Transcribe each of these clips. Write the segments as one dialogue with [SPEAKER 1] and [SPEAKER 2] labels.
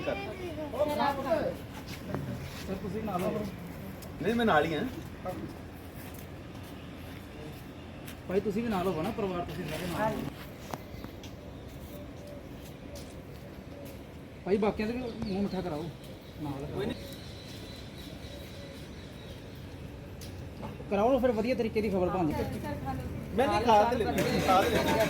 [SPEAKER 1] ਕਰ
[SPEAKER 2] ਸਰ ਤੁਸੀਂ ਨਾਲ ਹੋ
[SPEAKER 1] ਨਹੀਂ ਮੈਂ ਨਾਲ ਹੀ ਹਾਂ
[SPEAKER 2] ਭਾਈ ਤੁਸੀਂ ਵੀ ਨਾਲ ਹੋਵੋ ਨਾ ਪਰਿਵਾਰ ਤੁਸੀਂ ਸਾਰੇ ਨਾਲ ਭਾਈ ਬਾਕੀਆਂ ਦੇ ਵੀ ਮੂੰਹ ਮਿੱਠਾ ਕਰਾਓ ਨਾਲ ਕੋਈ ਨਹੀਂ ਕਰਾਓ ਫਿਰ ਵਧੀਆ ਤਰੀਕੇ ਦੀ ਖਬਰ ਬਣਦੀ
[SPEAKER 1] ਮੈਂ ਨਹੀਂ ਖਾ ਤੇ ਲੈਂਦਾ ਖਾ ਤੇ ਲੈਂਦਾ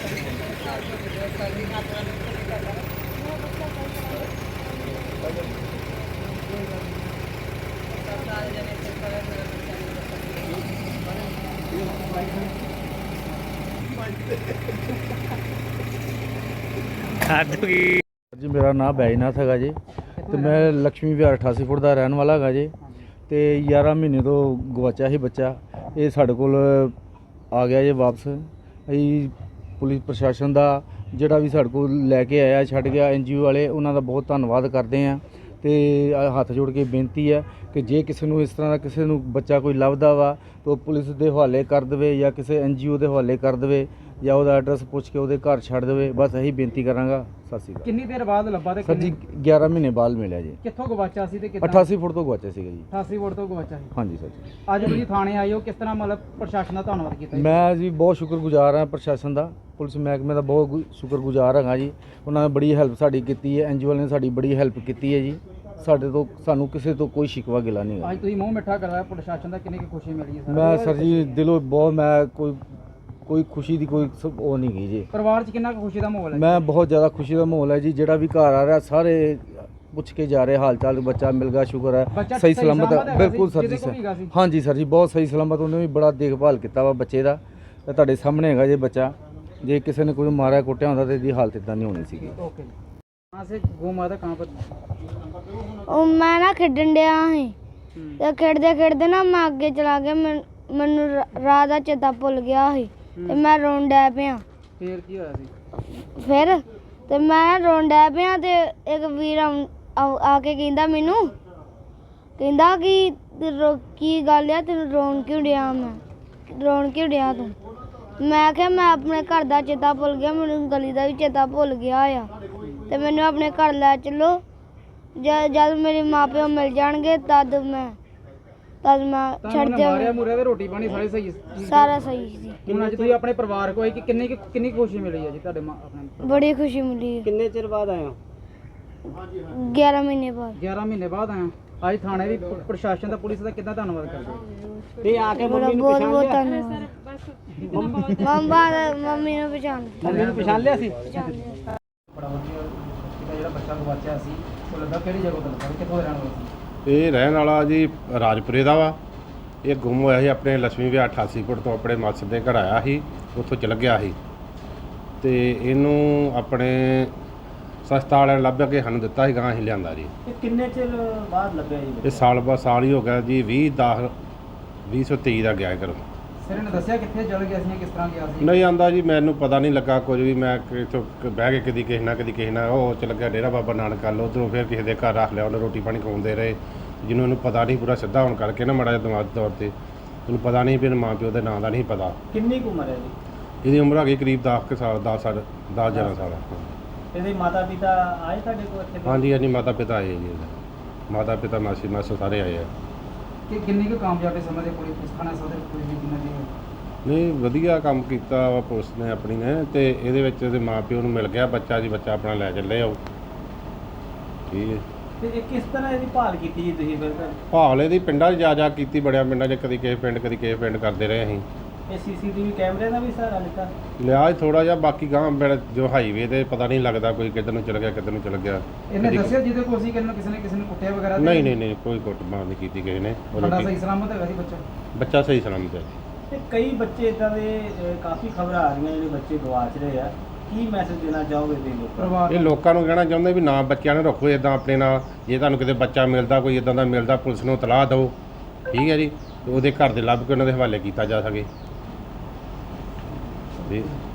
[SPEAKER 3] जी मेरा नाम बैजनाथ है जी तो मैं लक्ष्मी विहार 88 फुट का रहने वाला है जी तो 11 महीने तो गवाचा ही बच्चा ये साढ़े कोल आ गया जी वापस अभी पुलिस प्रशासन का जोड़ा भी साढ़े को लैके आया छड़ गया NGO वाले उन्होंने बहुत धन्यवाद करते हैं तो हथ जोड़ के बेनती है कि जे किसी को इस तरह का किसी को बच्चा कोई लभदा वा तो पुलिस के हवाले कर दे या किसी NGO के हवाले कर दे या वो एड्रैस पुछ के वो घर छड़ दे बस यही बेनती करांगा। सत श्री अकाल।
[SPEAKER 2] कितनी देर बाद ਲੱਭਾ ਤੇ
[SPEAKER 3] सर जी 11 महीने बाद मिला जी
[SPEAKER 2] ਕਿੱਥੋਂ ਗਵਾਚਾ ਸੀ ਤੇ ਕਿੱਦਾਂ
[SPEAKER 3] 88 फुट तो गवाचा सीगा जी
[SPEAKER 2] 88 ਫੁੱਟ ਤੋਂ ਗਵਾਚਾ ਸੀ
[SPEAKER 3] हाँ जी सर जी
[SPEAKER 2] ਅੱਜ ਤੁਸੀਂ ਥਾਣੇ ਆਏ ਹੋ ਕਿਸ ਤਰ੍ਹਾਂ ਮਤਲਬ ਪ੍ਰਸ਼ਾਸਨ ਦਾ ਧੰਨਵਾਦ ਕੀਤਾ ਜੀ?
[SPEAKER 3] मैं जी बहुत शुक्रगुजार हाँ प्रशासन का पुलिस महकमे का बहुत शुक्रगुजार हाँ जी उन्होंने बड़ी हैल्प साड़ी की है NGO ने साड़ी बड़ी हैल्प की है जी साढ़े तो सानू किसी तो कोई शिकवा गिला नहीं है।
[SPEAKER 2] ਅੱਜ ਤੁਸੀਂ ਮੂੰਹ ਮਿੱਠਾ ਕਰਵਾਇਆ ਪ੍ਰਸ਼ਾਸਨ ਦਾ ਕਿੰਨੀ ਕੁ ਖੁਸ਼ੀ ਮਿਲੀ ਹੈ
[SPEAKER 3] मैं सर जी दिलों बहुत मैं कोई खुशी की कोई वो नहीं गई जी
[SPEAKER 2] ਪਰਿਵਾਰ 'ਚ ਕਿੰਨਾ ਕੁ ਖੁਸ਼ੀ ਦਾ ਮਾਹੌਲ ਹੈ?
[SPEAKER 3] मैं बहुत ज़्यादा खुशी का माहौल है जी जेड़ा भी घर आ रहा सारे पुछ के जा रहे हाल चाल बच्चा मिल गया शुक्र है
[SPEAKER 2] बच्चा
[SPEAKER 3] सही
[SPEAKER 2] सही
[SPEAKER 3] सलामत
[SPEAKER 2] सलामत
[SPEAKER 3] है
[SPEAKER 2] है
[SPEAKER 3] बिल्कुल
[SPEAKER 2] वैसे,
[SPEAKER 3] सर जी
[SPEAKER 2] किसी को भी गा सी?
[SPEAKER 3] हाँ जी सर जी बहुत सही सलामत उन्हें भी बड़ा देखभाल किया वा बच्चे का ਤੁਹਾਡੇ ਸਾਹਮਣੇ ਹੈਗਾ ਜੇ ਬੱਚਾ ਜੇ ਕਿਸੇ ਨੇ ਕੋਈ ਮਾਰਿਆ ਕੁੱਟਿਆ ਹੁੰਦਾ ਤੇ ਇਹਦੀ ਹਾਲਤ ਇਦਾਂ ਨਹੀਂ ਹੋਣੀ ਸੀਗੀ।
[SPEAKER 2] ओके कहाँ से गौ माता कहाँ पर
[SPEAKER 4] ਉਹ ਮੈਂ ਨਾ ਖੇਡਣ ਡਿਆ ਸੀ ਤੇ ਖੇਡਦੇ ਖੇਡਦੇ ਨਾ ਮੈਂ ਅੱਗੇ ਚਲਾ ਗਿਆ ਮੈਨੂੰ ਰਾਹ ਦਾ ਚੇਤਾ ਭੁੱਲ ਗਿਆ ਸੀ ਤੇ ਮੈਂ ਰੋਣ ਡੈ ਪਿਆ
[SPEAKER 2] फिर की होया सी
[SPEAKER 4] ਫਿਰ ਤੇ ਮੈਂ ਰੋਣ ਡੈ ਪਿਆ ਤੇ ਇੱਕ ਵੀਰ ਆ ਕੇ ਕਹਿੰਦਾ ਮੈਨੂੰ ਕਹਿੰਦਾ ਕਿ ਕੀ ਗੱਲ ਆ ਤੈਨੂੰ ਰੋਣ ਕਿਉਂ ਡਿਆ ਰੋਣ ਕਿਉਂ ਡਿਆ ਤੂੰ ਮੈਂ ਕਿਹਾ ਮੈਂ ਆਪਣੇ ਘਰ ਦਾ ਚੇਤਾ ਭੁੱਲ ਗਿਆ ਮੈਨੂੰ ਗਲੀ ਦਾ ਵੀ ਚੇਤਾ ਭੁੱਲ ਗਿਆ ਆ ਤੇ ਮੈਨੂੰ ਆਪਣੇ ਘਰ ਲੈ ਚੱਲੋ ਜਦ ਮੇਰੇ ਮਾਪਿਓ ਮਿਲ ਜਾਣਗੇ ਤਦ ਮੈਂ ਛੱਡ
[SPEAKER 2] ਮਾਰਿਆ
[SPEAKER 4] ਜਾਵਾਂ
[SPEAKER 2] ਮੁਰਿਆ ਤੇ ਰੋਟੀ ਪਾਣੀ ਸਾਰੇ ਸਹੀ ਸੀ
[SPEAKER 4] ਸਾਰਾ ਸਹੀ ਸੀ
[SPEAKER 2] ਹੁਣ ਅੱਜ ਤੁਸੀਂ ਆਪਣੇ ਪਰਿਵਾਰ ਕੋ ਆਏ ਕਿ ਕਿੰਨੀ ਕੁ ਖੁਸ਼ੀ ਮਿਲੀ ਹੈ ਜੀ ਤੁਹਾਡੇ ਆਪਣੇ
[SPEAKER 4] ਬੜੀ ਖੁਸ਼ੀ ਮਿਲੀ
[SPEAKER 2] ਕਿੰਨੇ ਚਿਰ ਬਾਅਦ ਆਏ ਹੋ
[SPEAKER 4] 11 ਮਹੀਨੇ ਬਾਅਦ
[SPEAKER 2] 11 ਮਹੀਨੇ ਬਾਅਦ ਆਏ ਹੋ। ਅੱਜ ਥਾਣੇ ਵੀ ਪ੍ਰਸ਼ਾਸਨ ਦਾ ਪੁਲਿਸ ਦਾ ਕਿੱਦਾਂ ਧੰਨਵਾਦ ਕਰਦੇ ਹੋ? ਤੇ ਆ ਕੇ
[SPEAKER 4] ਬੜਾ ਬਹੁਤ ਬਹੁਤ ਧੰਨਵਾਦ ਮੰਮੀ ਨੂੰ ਪਛਾਣ
[SPEAKER 2] ਮੰਮੀ ਨੂੰ ਪਛਾਣ ਲਿਆ ਸੀ
[SPEAKER 4] ਪਛਾਣ ਲਿਆ।
[SPEAKER 2] ਬੜਾ ਵਧੀਆ ਜਿਹੜਾ ਬੱਚਾ ਗਵਾਚਿਆ ਸੀ ਉਹ ਲੱਗਾ ਕਿਹੜੀ ਜਗ੍ਹਾ ਤੋਂ ਲੱਗਾ ਕਿੱਥੋਂ ਦਾ ਰਹਿਣ ਵਾਲਾ ਸੀ?
[SPEAKER 5] ਇਹ ਰਹਿਣ ਵਾਲਾ ਜੀ ਰਾਜਪੁਰੇ ਦਾ ਵਾ ਇਹ ਗੁੰਮ ਹੋਇਆ ਸੀ ਆਪਣੇ ਲక్ష్ਮੀ ਵਿਹਾਰ 88 ਫੁੱਟ ਤੋਂ ਆਪਣੇ ਮਾਸੜ ਦੇ ਘਰ ਆਇਆ ਸੀ ਉੱਥੋਂ ਚਲ ਗਿਆ ਸੀ ਤੇ ਇਹਨੂੰ ਆਪਣੇ ਸਸਤਾ ਵਾਲਿਆਂ ਨੇ ਲੱਭ ਕੇ ਸਾਨੂੰ ਦਿੱਤਾ ਸੀ ਗਾਂ ਅਸੀਂ ਲਿਆਂਦਾ ਜੀ।
[SPEAKER 2] ਇਹ ਕਿੰਨੇ ਚਿਰ ਬਾਅਦ ਲੱਭਿਆ ਜੀ
[SPEAKER 5] ਇਹ ਸਾਲ ਹੀ ਹੋ ਗਿਆ ਜੀ 2023 ਦਾ ਗਿਆ ਘਰੋਂ।
[SPEAKER 2] ਸਿਰ ਨੇ ਦੱਸਿਆ ਕਿੱਥੇ ਚਲ ਗਿਆ ਸੀ ਜਾਂ ਕਿਸ ਤਰ੍ਹਾਂ ਗਿਆ ਸੀ?
[SPEAKER 5] ਨਹੀਂ ਆਂਦਾ ਜੀ ਮੈਨੂੰ ਪਤਾ ਨਹੀਂ ਲੱਗਾ ਕੁਝ ਵੀ ਮੈਂ ਇੱਥੋਂ ਬਹਿ ਕੇ ਕਦੀ ਕਿਸੇ ਨਾਲ ਉਹ ਚਲ ਗਿਆ ਡੇਰਾ ਬਾਬਾ ਨਾਨਕ ਵੱਲ ਉੱਧਰੋਂ ਫਿਰ ਕਿਸੇ ਦੇ ਘਰ ਰੱਖ ਲਿਆ ਉਹਨੇ ਰੋਟੀ ਪਾਣੀ ਖਵਾਉਂਦੇ ਰਹੇ ਜਿਹਨੂੰ ਇਹਨੂੰ ਪਤਾ ਨਹੀਂ ਪੂਰਾ ਸਿੱਧਾ ਹੋਣ ਕਰਕੇ ਨਾ ਮਾੜਾ ਜਿਹਾ ਦਿਮਾਗ ਤੌਰ ਤੇ ਉਹਨੂੰ ਪਤਾ ਨਹੀਂ ਵੀ ਮਾਂ ਪਿਓ ਦੇ ਨਾਂ ਦਾ ਨਹੀਂ ਪਤਾ।
[SPEAKER 2] ਕਿੰਨੀ ਕੁ ਉਮਰ ਹੈ ਜੀ?
[SPEAKER 5] ਇਹਦੀ ਉਮਰ ਹੈਗੀ ਕਰੀਬ 10 ਸਾਲ 11 ਸਾਲ।
[SPEAKER 2] ਇਹਦੇ ਮਾਤਾ ਪਿਤਾ ਆਏ ਤੁਹਾਡੇ ਕੋਲ ਇੱਥੇ?
[SPEAKER 5] ਹਾਂਜੀ ਹਾਂਜੀ ਮਾਤਾ ਪਿਤਾ ਆਏ ਜੀ ਇਹਦੇ ਮਾਤਾ ਪਿਤਾ ਮਾਸੀ ਸਾਰੇ ਆਏ ਆ।
[SPEAKER 2] ਕਿ ਕਿੰਨੀ ਕੁ ਕਾਮਯਾਬੀ ਸਮਝਦੇ ਪੁਲਿਸ ਥਾਣਾ ਸਦਰ ਪੁਲਿਸ ਦੀ ਕਿੰਨਾ ਦੀ?
[SPEAKER 5] ਨਹੀਂ ਵਧੀਆ ਕੰਮ ਕੀਤਾ ਵਾ ਪੁਲਿਸ ਨੇ ਆਪਣੀ ਨੇ ਤੇ ਇਹਦੇ ਵਿੱਚ ਇਹਦੇ ਮਾਂ ਪਿਓ ਨੂੰ ਮਿਲ ਗਿਆ ਬੱਚਾ ਜੀ ਬੱਚਾ ਆਪਣਾ ਲੈ ਚੱਲੇ ਆਓ ਠੀਕ ਹੈ।
[SPEAKER 2] ਤੇ ਇਹ ਕਿਸ ਤਰ੍ਹਾਂ ਇਹਦੀ ਭਾਲ ਕੀਤੀ ਜੀ ਤੁਸੀਂ ਫਿਰ?
[SPEAKER 5] ਭਾਵਲੇ ਦੀ ਪਿੰਡਾਂ 'ਚ ਜਾ ਕੀਤੀ ਬੜਿਆ ਪਿੰਡਾਂ 'ਚ ਕਦੀ ਕਿਸੇ ਪਿੰਡ ਕਰਦੇ ਰਹੇ ਅਸੀਂ।
[SPEAKER 2] ਇਹ ਸੀਸੀਟੀਵੀ ਕੈਮਰੇ ਦਾ ਵੀ ਸਹਾਰਾ ਲਿੱਤਾ?
[SPEAKER 5] ਲਿਆ ਥੋੜਾ ਜਿਹਾ ਬਾਕੀ ਗਾਂ ਜੋ ਹਾਈਵੇ ਤੇ ਪਤਾ ਨਹੀਂ ਲੱਗਦਾ ਕੋਈ ਕਿੱਧਰ ਨੂੰ ਚਲ ਗਿਆ ਕਿੱਧਰ ਨੂੰ ਚਲ ਗਿਆ।
[SPEAKER 2] ਇਹਨੇ ਦੱਸਿਆ ਜਿਹਦੇ ਕੋਲ ਸੀ ਕਿਸੇ ਨੇ ਕੁੱਟਿਆ ਵਗੈਰਾ?
[SPEAKER 5] ਨਹੀਂ ਕੋਈ ਕੁੱਟਮਾਰ ਨਹੀਂ ਕੀਤੀ ਕਿਸੇ ਨੇ।
[SPEAKER 2] ਤੁਹਾਡਾ ਸਹੀ ਸਲਾਮਤ ਹੈਗਾ ਜੀ
[SPEAKER 5] ਬੱਚਾ ਸਹੀ ਸਲਾਮਤ ਹੈ।
[SPEAKER 6] ਤੇ ਕਈ ਬੱਚੇ ਇਦਾਂ ਦੇ ਕਾਫੀ ਖਬਰਾਂ ਆ ਰਹੀਆਂ ਜਿਹੜੇ ਬੱਚੇ ਗਵਾਚ ਰਹੇ ਆ ਕੀ ਮੈਸੇਜ ਦੇਣਾ ਚਾਹੋਗੇ ਤੁਸੀਂ ਲੋਕਾਂ ਨੂੰ?
[SPEAKER 2] ਪਰਿਵਾਰ
[SPEAKER 5] ਇਹ ਲੋਕਾਂ ਨੂੰ ਕਹਿਣਾ ਚਾਹੁੰਦੇ ਵੀ ਨਾ ਬੱਚਿਆਂ ਨੂੰ ਰੱਖੋ ਇਦਾਂ ਆਪਣੇ ਨਾਲ ਜੇ ਤੁਹਾਨੂੰ ਕਿਤੇ ਬੱਚਾ ਮਿਲਦਾ ਕੋਈ ਇਦਾਂ ਦਾ ਮਿਲਦਾ ਪੁਲਿਸ ਨੂੰ ਇਤਲਾਹ ਦਿਓ ਠੀਕ ਹੈ ਜੀ ਤੇ ਉਹਦੇ ਘਰ ਦੇ ਲੱਭ ਕੇ ਉਹਨਾਂ ਦੇ ਹਵਾਲੇ ਕੀਤਾ ਜਾ ਸਕੇ ਜੀ।